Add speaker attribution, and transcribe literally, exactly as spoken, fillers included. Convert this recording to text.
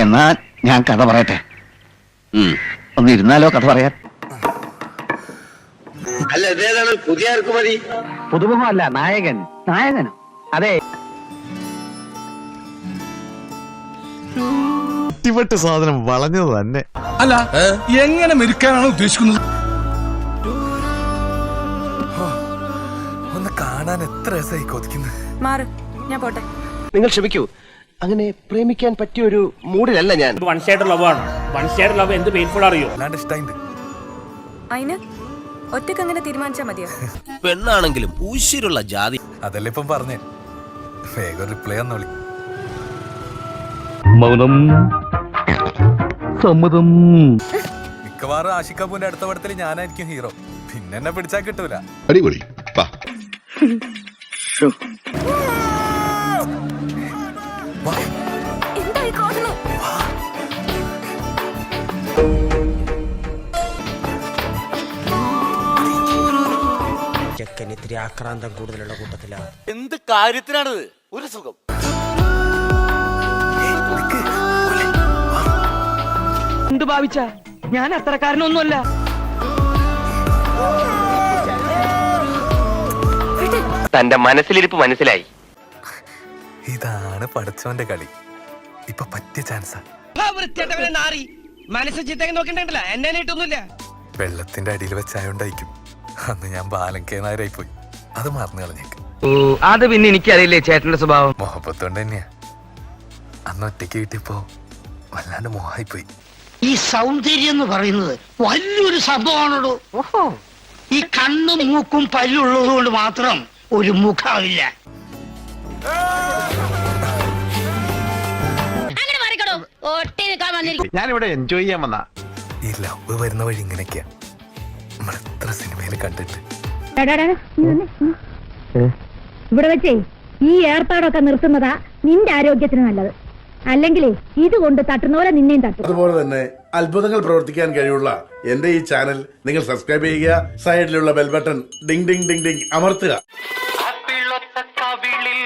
Speaker 1: എന്നാ ഞാൻ കഥ പറയട്ടെ. ഒന്ന് ഇരുന്നാലോ കഥ പറയാൻ?
Speaker 2: അല്ല, ഇതേതാണ് പുതിയ ഇറക്കുമതി?
Speaker 1: പുതുമുഖമല്ല, നായകൻ. നായകനോ? അതെ.
Speaker 3: ഇട്ടിപ്പെട്ട് സാധനം വളഞ്ഞത് തന്നെ.
Speaker 4: അല്ല, എങ്ങനെ മെരുക്കാനാണ് ഉദ്ദേശിക്കുന്നത്?
Speaker 5: ഒന്ന് കാണാൻ എത്ര രസമായി കൊതിക്കുന്നത്.
Speaker 6: മാറ്, ഞാൻ പോട്ടെ.
Speaker 2: നിങ്ങൾ ക്ഷമിക്കൂ, അങ്ങനെ പ്രേമിക്കാൻ പറ്റിയ ഒരു മൂഡിലല്ല ഞാൻ.
Speaker 7: വൺ സൈഡ് ലവ് ആണ്. വൺ സൈഡ് ലവ് എന്ത് പെയിൻഫുൾ അറിയോ?
Speaker 5: അല്ലാണ്ട് ഇഷ്ടമായിണ്ട്.
Speaker 6: അതിന് ഒറ്റക്ക് അങ്ങനെ തീരുമാനിച്ചാ മതിയോ?
Speaker 8: പെണ്ണാണെങ്കിലും ഊശിരുള്ള ജാതി.
Speaker 5: അതല്ലേ ഇപ്പം പറഞ്ഞേ. വേഗം റിപ്ലൈ ഒന്നോളി.
Speaker 1: മൗനം സമ്മതം.
Speaker 5: മിക്കവാറും ആഷിഖ് കപൂറിന്റെ അടുത്ത പടത്തിൽ ഞാനായിരിക്കും ഹീറോ. പിന്നെ എന്നെ പിടിച്ചാൽ കിട്ടൂല.
Speaker 3: അടിപൊളി.
Speaker 6: എന്തായി കാണുന്നു?
Speaker 8: ചെക്കൻ ഇത്തിരി ആക്രാന്തം കൂടുതലുള്ള കൂട്ടത്തിലാണ്.
Speaker 2: എന്ത് കാര്യത്തിനാണിത്? ഒരു സുഖം.
Speaker 9: എന്ത് ഭാവിച്ച? ഞാൻ അത്രക്കാരനൊന്നുമല്ല.
Speaker 2: തന്റെ മനസ്സിലിരിപ്പ് മനസ്സിലായി.
Speaker 5: ഇതാണ് പഠിച്ചവന്റെ കളി. ഇപ്പൊ പറ്റിയ ചാൻസാ.
Speaker 9: മനസ്സ് ചിത്തേക്ക് നോക്കണ്ടല്ല, എന്നെ ഇട്ടൊന്നുമില്ല.
Speaker 5: വെള്ളത്തിന്റെ അടിയിൽ വെച്ചായോണ്ടായിരിക്കും അന്ന് ഞാൻ ബാലങ്കേ നായരായി പോയി. അത് മറന്നു കളഞ്ഞേക്ക്.
Speaker 9: ഓ, അത് പിന്നെ എനിക്കറിയില്ലേ ചേട്ടന്റെ സ്വഭാവം.
Speaker 5: മുഹബത്തോണ്ട് തന്നെയാ. അന്ന് ഒറ്റയ്ക്ക് കിട്ടിയപ്പോ വല്ലാണ്ട് മോഹായി പോയി.
Speaker 10: ഈ സൗന്ദര്യം എന്ന് പറയുന്നത് വലിയൊരു സംഭവമാണോ. ഓഹോ, ഈ കണ്ണും മൂക്കും പല്ലുള്ളത് കൊണ്ട് മാത്രം ഒരു മുഖമില്ല.
Speaker 3: ഞാനിവിടെ എൻജോയ് ചെയ്യാൻ വന്ന.
Speaker 5: ഈ ലവ് വരുന്ന വഴി ഇങ്ങനെയൊക്കെയാ. നമ്മൾ എത്ര സിനിമയിൽ കണ്ടിട്ട്.
Speaker 11: ഇവിടെ വെച്ചേ ഈ ഏർപ്പാടൊക്കെ നിർത്തുന്നതാ നിന്റെ ആരോഗ്യത്തിന് നല്ലത്. അല്ലെങ്കിൽ ഇതുകൊണ്ട് തട്ടുന്ന പോലെ നിന്നെയും തട്ടും.
Speaker 4: അതുപോലെ തന്നെ അത്ഭുതങ്ങൾ പ്രവർത്തിക്കാൻ കഴിവുള്ള എന്റെ ഈ ചാനൽ നിങ്ങൾ സബ്സ്ക്രൈബ് ചെയ്യുക. സൈഡിലുള്ള bell button ding ding ding ding അമർത്തുക.